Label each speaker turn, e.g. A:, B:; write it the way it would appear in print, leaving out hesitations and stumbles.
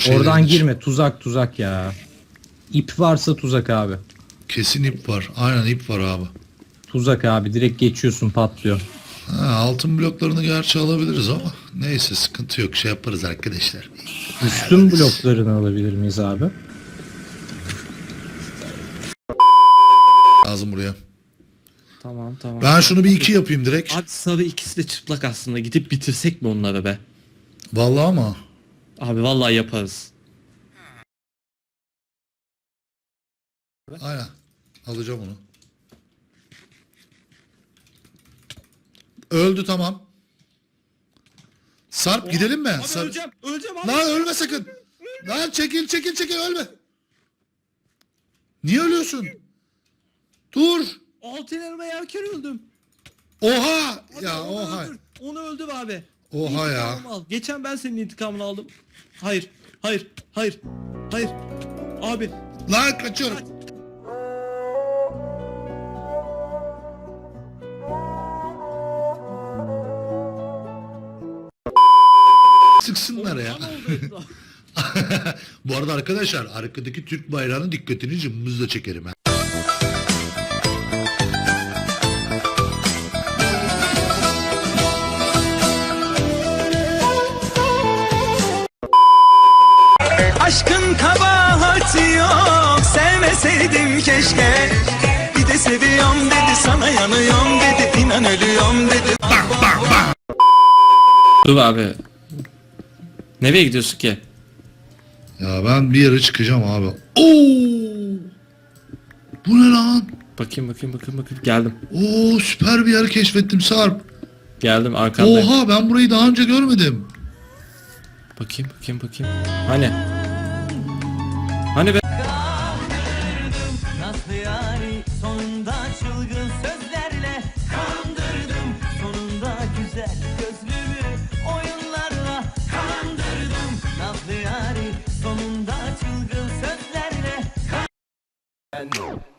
A: şeylerin
B: Oradan
A: içi.
B: girme, tuzak ya. İp varsa tuzak abi.
A: Kesin ip var. Aynen ip var abi.
B: Tuzak abi, direkt geçiyorsun, patlıyor.
A: Ha, altın bloklarını gerçi alabiliriz ama neyse sıkıntı yok, şey yaparız arkadaşlar.
B: Üstün
A: Ayarlarız.
B: bloklarını alabilir miyiz abi?
A: Lazım buraya.
C: Tamam tamam.
A: Ben şunu bir 2 yapayım direkt.
C: Abi sarı ikisi de çıplak aslında. Gidip bitirsek mi onları be?
A: Vallahi ama.
C: Abi vallahi yaparız.
A: Aynen. Alacağım onu. Öldü tamam. Sarp gidelim mi?
C: Abi öleceğim abi.
A: Lan ölme sakın. Lan çekil ölme. Niye ölüyorsun? Dur.
C: Altın elma yerken öldüm.
A: Oha.
C: Abi
A: Ya
C: onu
A: oha.
C: öldür. Onu öldüm abi.
A: Oha ya.
C: İntikamımı al. Geçen ben senin intikamını aldım. Hayır. Abi.
A: Lan kaçıyorum. Sıksınlar ya.
C: Kan oldu.
A: Bu arada arkadaşlar arkadaki Türk bayrağının dikkatini cımbızla çekerim ha.
D: Aşkın kabahati yok, sevmeseydim keşke. Bir de seviyorum dedi, sana yanıyorum dedi, inan ölüyorum dedi.
C: Dur abi. Nereye gidiyorsun ki?
A: Ya ben bir yere çıkacağım abi. Oo! Bu ne lan?
C: Bakayım. Geldim.
A: Oo süper bir yer keşfettim Sarp.
C: Geldim arkandayım.
A: Oha ben burayı daha önce görmedim.
C: Bakayım. Hani be?
D: Nasıl yani, sonunda çılgın sözlerle kandırdım. Sonunda güzel gözlümü oyunlarla kandırdım. Nasıl yani, sonunda çılgın sözlerle